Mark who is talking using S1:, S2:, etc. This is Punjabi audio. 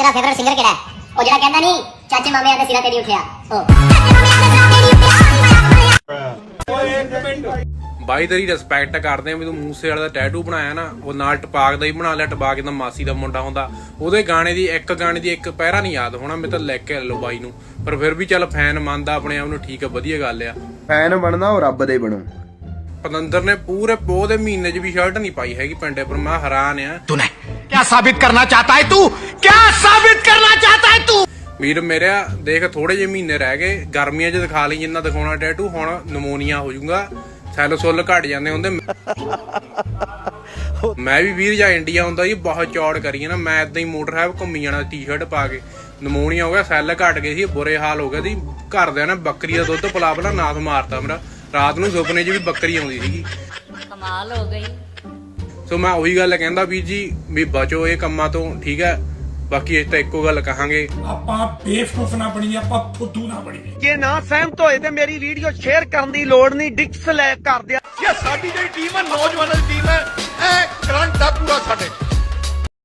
S1: ਤੇਰਾ ਫੇਵਰਿਟ ਸਿੰਗਰ ਕਿਹੜਾ ਹੈ? ਉਹ ਜਿਹੜਾ ਕਹਿੰਦਾ ਨਹੀਂ ਚਾਚੇ ਮਾਮਿਆਂ ਦੇ ਸਿਰਾਂ ਤੇ ਨਹੀਂ ਉੱਠਿਆ ਉਹ।
S2: ਬਾਈ ਤੇਰੀ ਰਿਸਪੈਕਟ ਕਰਦੇ ਆ ਵੀ ਤੂੰ ਮੂਸੇ ਵਾਲੇ ਦਾ ਟੈਟੂ ਬਣਾਇਆ ਨਾ, ਉਹ ਨਾਲ ਟਪਾਕ ਦਾ ਹੀ ਬਣਾ ਲਿਆ। ਟਪਾਕ ਦਾ ਮਾਸੀ ਦਾ ਮੁੰਡਾ ਹੁੰਦਾ, ਉਹਦੇ ਗਾਣੇ ਦੀ ਇੱਕ ਪੈਰਾ ਨਹੀਂ ਯਾਦ ਹੋਣਾ, ਮੈਂ ਤਾਂ ਲੈ ਕੇ ਲਓ ਬਾਈ ਨੂੰ। ਪਰ ਫਿਰ ਵੀ ਚੱਲ ਫੈਨ ਮੰਨਦਾ ਆਪਣੇ ਆਪ ਨੂੰ, ਠੀਕ ਆ, ਵਧੀਆ ਗੱਲ ਆ।
S3: ਫੈਨ ਬਣਨਾ ਉਹ ਰੱਬ ਦੇ ਬਣੋ।
S2: ਪਤੰਦਰ ਨੇ ਪੂਰੇ ਪੋਹ ਦੇ ਮਹੀਨੇ 'ਚ ਵੀ ਸ਼ਰਟ ਨਹੀਂ ਪਾਈ ਹੈਗੀ ਪਿੰਡੇ ਪਰ। ਮੈਂ ਹੈਰਾਨ ਆ।
S4: तूने क्या साबित करना चाहता है? तू क्या साबित करना चाहता है तू?
S2: ਵੀਰ ਮੇਰਿਆ ਦੇਖ, ਥੋੜੇ ਜਿਹੇ ਮਹੀਨੇ ਰਹਿ ਗਏ, ਗਰਮੀਆਂ 'ਚ ਦਿਖਾ ਲਈ ਜਿੰਨਾ ਦਿਖਾਉਣਾ ਟੈਟੂ। ਹੁਣ ਨਮੋਨੀਆ ਹੋ ਜਾਊਗਾ, ਸੈੱਲ ਸੁੱਲ ਘਟ ਜਾਂਦੇ ਹੁੰਦੇ। ਮੈਂ ਵੀ ਵੀਰ ਜਾਂ ਇੰਡੀਆ ਹੁੰਦਾ ਜੀ, ਬਹੁਤ ਚੌੜ ਕਰੀਏ ਨਾ, ਮੈਂ ਏਦਾਂ ਹੀ ਮੋਟਰ ਸਾਹਿਬ ਘੁੰਮੀ ਜਾਣਾ ਟੀ-ਸ਼ਰਟ ਪਾ ਕੇ। ਨਮੋਨੀਆ ਹੋ ਗਿਆ, ਸੈੱਲ ਘਟ ਗਏ ਸੀ, ਬੁਰੇ ਹਾਲ ਹੋ ਗਏ ਸੀ। ਘਰਦਿਆਂ ਨੇ ਬੱਕਰੀ ਦਾ ਦੁੱਧ ਪਿਲਾ ਪਿਲਾ ਨਾਸ ਮਾਰਤਾ ਮੇਰਾ। ਰਾਤ ਨੂੰ ਸੁਪਨੇ 'ਚ ਵੀ ਬੱਕਰੀ ਆਉਂਦੀ ਸੀਗੀ।
S5: ਕਮਾਲ ਹੋ ਗਈ।
S2: ਸੋ ਮੈਂ ਉਹੀ ਗੱਲ ਕਹਿੰਦਾ ਵੀਰ ਜੀ ਵੀ ਬਚੋ ਇਹ ਕੰਮਾਂ ਤੋਂ, ਠੀਕ ਹੈ। ਬਾਕੀ ਇਸ ਤਾਂ ਇੱਕੋ ਗੱਲ ਕਹਾਂਗੇ,
S6: ਆਪਾਂ ਬੇਵਕੂਫ ਨਾ ਬਣੀਏ, ਆਪਾਂ ਫੁੱਦੂ ਨਾ ਬਣੀਏ।
S4: ਜੇ ਨਾ ਸਹਿਮਤ ਹੋਏ ਤੇ ਮੇਰੀ ਵੀਡੀਓ ਸ਼ੇਅਰ ਕਰਨ ਦੀ ਲੋੜ ਨਹੀਂ, ਡਿਸਲਾਈਕ ਕਰ ਦਿਆ।
S6: ਇਹ ਸਾਡੀ ਜਿਹੜੀ ਟੀਮ ਹੈ, ਨੌਜਵਾਨਾਂ ਦੀ ਟੀਮ ਹੈ।